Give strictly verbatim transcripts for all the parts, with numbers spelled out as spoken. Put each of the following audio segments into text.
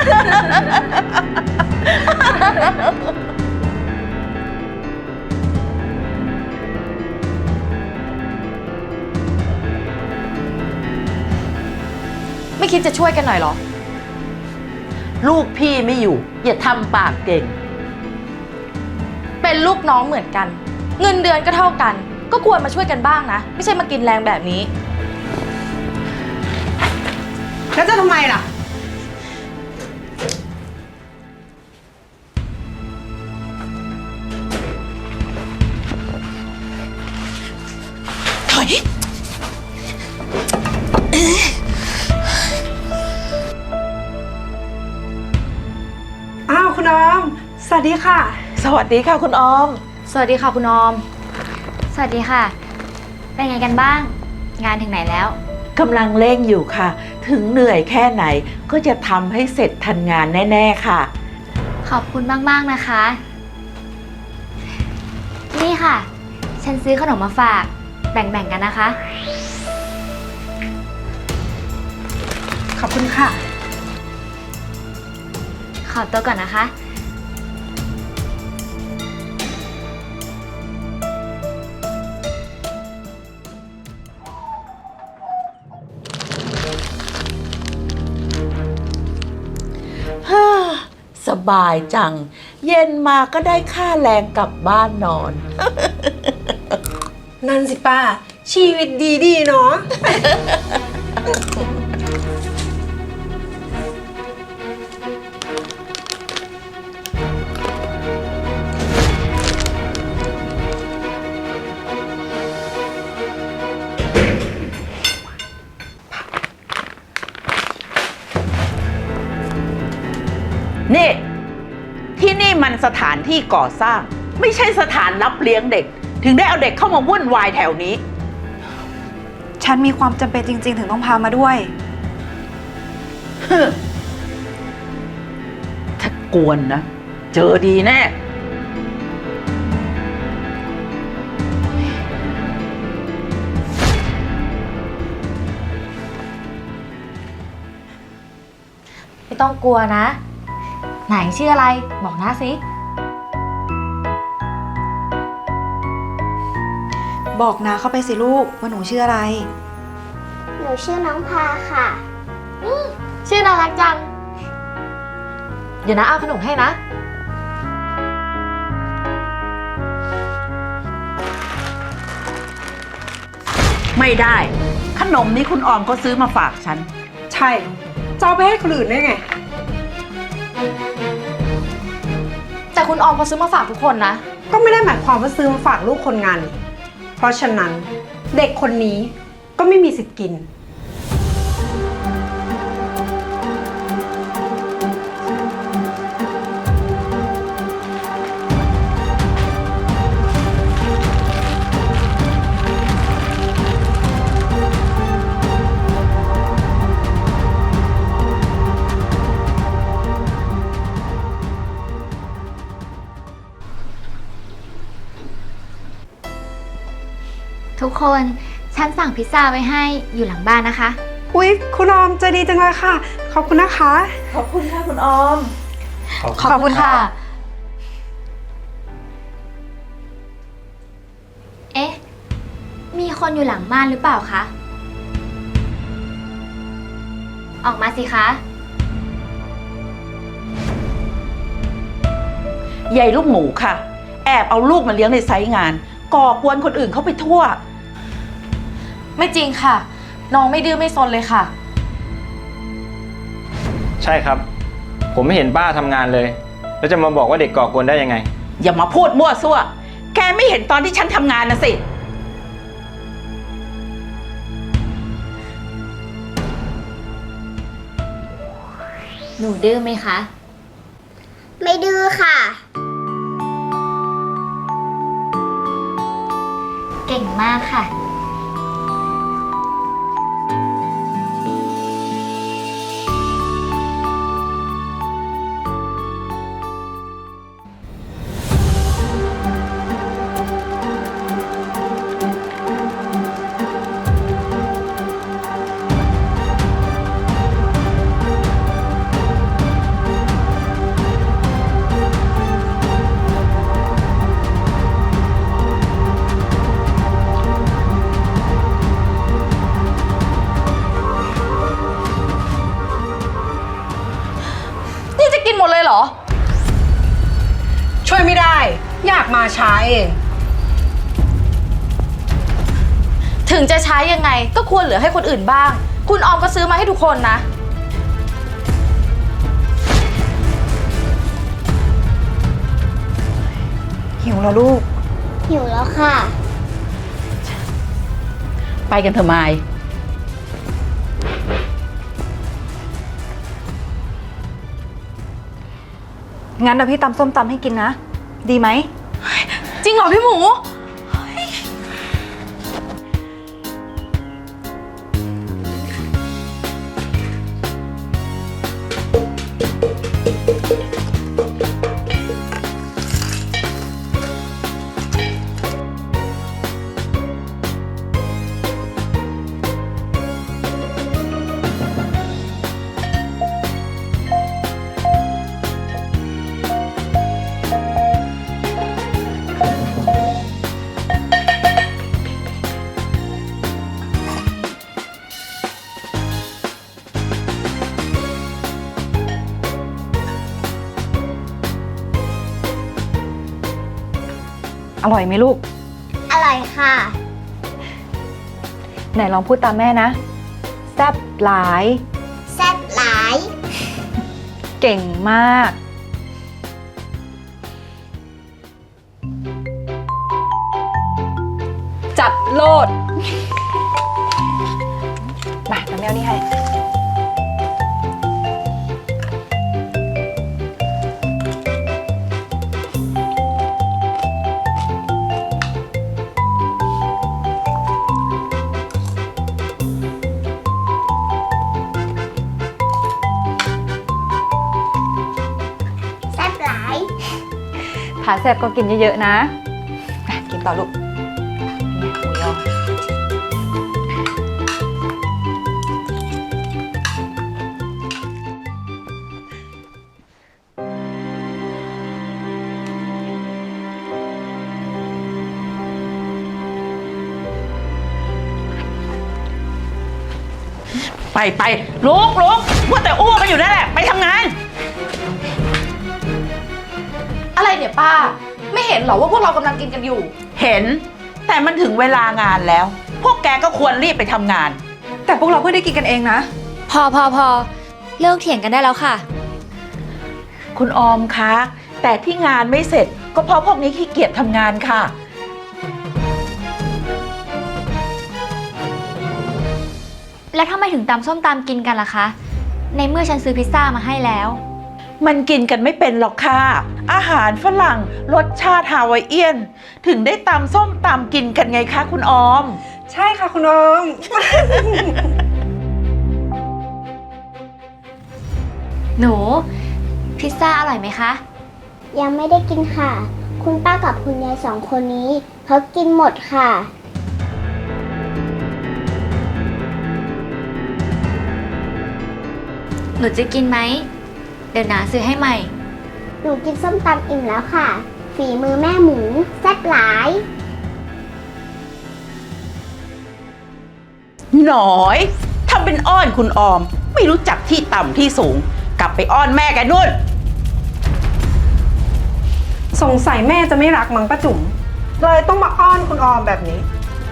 ไม่คิดจะช่วยกันหน่อยเหรอลูกพี่ไม่อยู่อย่าทำปากเก่งเป็นลูกน้องเหมือนกันเงินเดือนก็เท่ากันก็ควรมาช่วยกันบ้างนะไม่ใช่มากินแรงแบบนี้แล้วจะทำไมล่ะถอยอ้าวคุณออมสวัสดีค่ะสวัสดีค่ะคุณออมสวัสดีค่ะคุณออมสวัสดีค่ะเป็นไงกันบ้างงานถึงไหนแล้วกำลังเร่งอยู่ค่ะถึงเหนื่อยแค่ไหนก็จะทำให้เสร็จทันงานแน่ๆค่ะขอบคุณมากๆนะคะนี่ค่ะฉันซื้อขนมมาฝากแบ่งๆกันนะคะขอบคุณค่ะขอตัวก่อนนะคะสบายจังเย็นมาก็ได้ค่าแรงกลับบ้านนอนนั่นสิป้าชีวิตดีดีเนาะนี่ที่นี่มันสถานที่ก่อสร้างไม่ใช่สถานรับเลี้ยงเด็กถึงได้เอาเด็กเข้ามาวุ่นวายแถวนี้ฉันมีความจำเป็นจริงๆถึงต้องพามาด้วยถ้ากวนนะเจอดีแน่ไม่ต้องกลัวนะไหนชื่ออะไรบอกหน้าสิบอกนาเข้าไปสิลูกว่าหนูชื่ออะไรหนูชื่อน้องพาค่ะชื่อน่ารักจังเดี๋ยวนะเอาขนมให้นะไม่ได้ขนมนี้คุณออมก็ซื้อมาฝากฉันใช่จะเอาไปให้คนอื่นได้ไงแต่คุณออมเขาซื้อมาฝากทุกคนนะก็ไม่ได้หมายความว่าซื้อมาฝากลูกคนงานเพราะฉะนั้นเด็กคนนี้ก็ไม่มีสิทธิ์กินทุกคนฉันสั่งพิซซ่าไว้ให้อยู่หลังบ้านนะคะอุ๊ยคุณออมใจดีจังเลยค่ะขอบคุณนะคะขอบคุณค่ะคุณออมขอบคุณค่ะเอ๊ะมีคนอยู่หลังบ้านหรือเปล่าคะออกมาสิคะใหญ่ลูกหมูค่ะแอบเอาลูกมาเลี้ยงในไซต์งานก่อกวนคนอื่นเข้าไปทั่วไม่จริงค่ะน้องไม่ดื้อไม่ซนเลยค่ะใช่ครับผมไม่เห็นป้าทำงานเลยแล้วจะมาบอกว่าเด็กก่อกวนได้ยังไงอย่ามาพูดมั่วซั่วแกไม่เห็นตอนที่ฉันทำงานนะสิหนูดื้อไหมคะไม่ดื้อค่ะเก่งมากค่ะมาช้าเองถึงจะใช้ยังไงก็ควรเหลือให้คนอื่นบ้าง คุณออมก็ซื้อมาให้ทุกคนนะหิวแล้วลูกหิวแล้วค่ะไปกันเถอะไมายงั้นเดี๋ยวพี่ตำส้มตำให้กินนะ ดีไหมจริงเหรอพี่หมูอร่อยไหมลูกอร่อยค่ะไหนลองพูดตามแม่นะ แซ่บหลายแซ่บหลายเก่งมาก จัดโลด มาน้ำแมวนี่ให้แซ่บหลายผาแซ่บก็กินเยอะๆนะอ่ะกินต่อลูกนี่หมูยอไปไปลุกลุกมัวแต่อ้วกกันอยู่นั่นแหละ ไปทำงานอะไรเนี่ยป้า ไม่เห็นเหรอว่าพวกเรากำลังกินกันอยู่เห็น แต่มันถึงเวลางานแล้ว พวกแกก็ควรรีบไปทำงานแต่พวกเราเพิ่งได้กินกันเองนะพอพอพอเลิกเถียงกันได้แล้วค่ะคุณออมคะ แต่ที่งานไม่เสร็จ ก็เพราะพวกนี้ขี้เกียจทำงานค่ะแล้วทำไมถึงตำส้มตำกินกันล่ะคะ ในเมื่อฉันซื้อพิซซ่ามาให้แล้วมันกินกันไม่เป็นหรอกค่ะ อาหารฝรั่งรสชาติฮาวายเอียน ถึงได้ตำส้มตำกินกันไงคะคุณออมใช่ค่ะคุณออมหนู พิซซ่าอร่อยไหมคะยังไม่ได้กินค่ะ คุณป้ากับคุณยายสองคนนี้เขากินหมดค่ะหนูจะกินไหม เดี๋ยวนาซื้อให้ใหม่หนูกินส้มตำอิ่มแล้วค่ะ ฝีมือแม่หมูแซ่บหลายหน่อยทำเป็นอ้อนคุณออม ไม่รู้จักที่ต่ำที่สูง กลับไปอ้อนแม่แกนู่นสงสัยแม่จะไม่รักมั้งป้าจุ๋มเลยต้องมาอ้อนคุณออมแบบนี้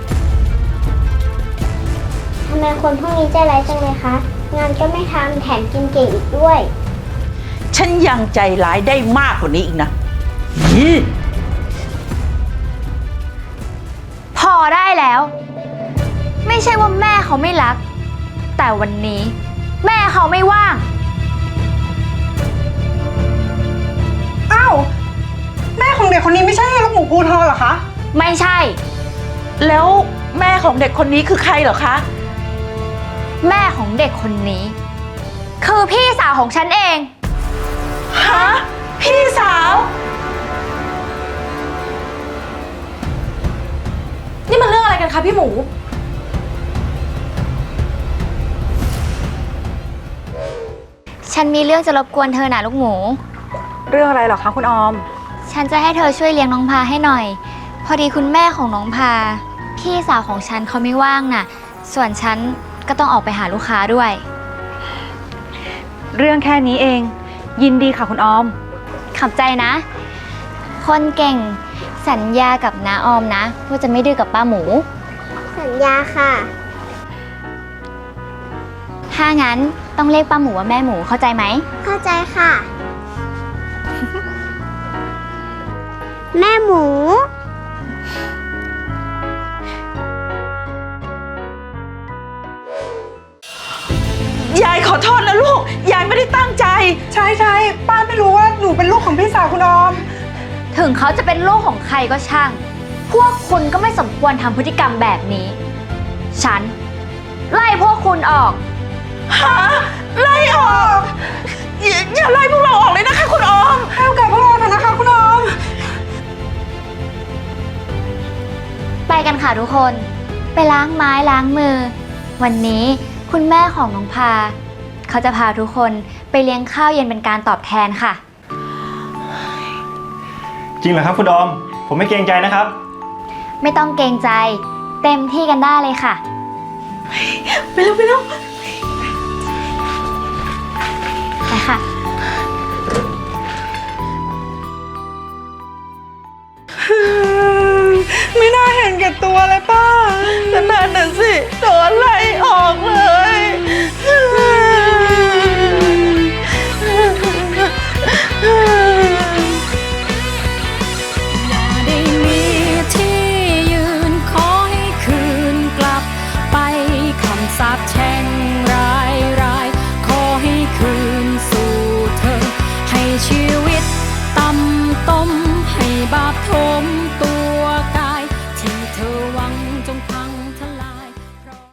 ทำไมคนพวกนี้ใจร้ายจังเลยคะ งานก็ไม่ทำแถมกินเก่งอีกด้วยฉันยังใจร้ายได้มากกว่านี้อีกนะนี่พอได้แล้ว ไม่ใช่ว่าแม่เขาไม่รัก แต่วันนี้ แม่เขาไม่ว่างอ้าว แม่ของเด็กคนนี้ไม่ใช่ลูกหมูพูเธอเหรอคะไม่ใช่แล้วแม่ของเด็กคนนี้คือใครเหรอคะแม่ของเด็กคนนี้ คือพี่สาวของฉันเองฮะ พี่สาวนี่มันเรื่องอะไรกันคะพี่หมูฉันมีเรื่องจะรบกวนเธอนะลูกหมูเรื่องอะไรเหรอคะคุณออมฉันจะให้เธอช่วยเลี้ยงน้องพาให้หน่อย พอดีคุณแม่ของน้องพา พี่สาวของฉันเขาไม่ว่างน่ะ ส่วนฉันก็ต้องออกไปหาลูกค้าด้วยเรื่องแค่นี้เอง ยินดีค่ะคุณออมขอบใจนะ คนเก่งสัญญากับน้าออมนะว่าจะไม่ดื้อกับป้าหมูสัญญาค่ะถ้างั้นต้องเรียกป้าหมูว่าแม่หมูเข้าใจไหมเข้าใจค่ะ แม่หมูยายขอโทษนะลูก ยายไม่ได้ตั้งใจใช่ใช่ป้าไม่รู้ว่าหนูเป็นลูกของพี่สาวคุณออมถึงเขาจะเป็นลูกของใครก็ช่าง พวกคุณก็ไม่สมควรทำพฤติกรรมแบบนี้ ฉัน ไล่พวกคุณออกฮะ ไล่ออกอย่าอย่าไล่พวกเราออกเลยนะคะคุณออมให้โอกาสพวกเราเถอะนะคะคุณออมไปกันค่ะทุกคน ไปล้างไม้ล้างมือ วันนี้คุณแม่ของน้องพา เขาจะพาทุกคนไปเลี้ยงข้าวเย็นเป็นการตอบแทนค่ะจริงเหรอครับคุณออม ผมไม่เกรงใจนะครับไม่ต้องเกรงใจ เต็มที่กันได้เลยค่ะไปเร็วไปเร็วไปค่ะไม่น่าเห็นแก่ตัวเลยป้าก็นั่นน่ะสิโดนไล่ออกเลย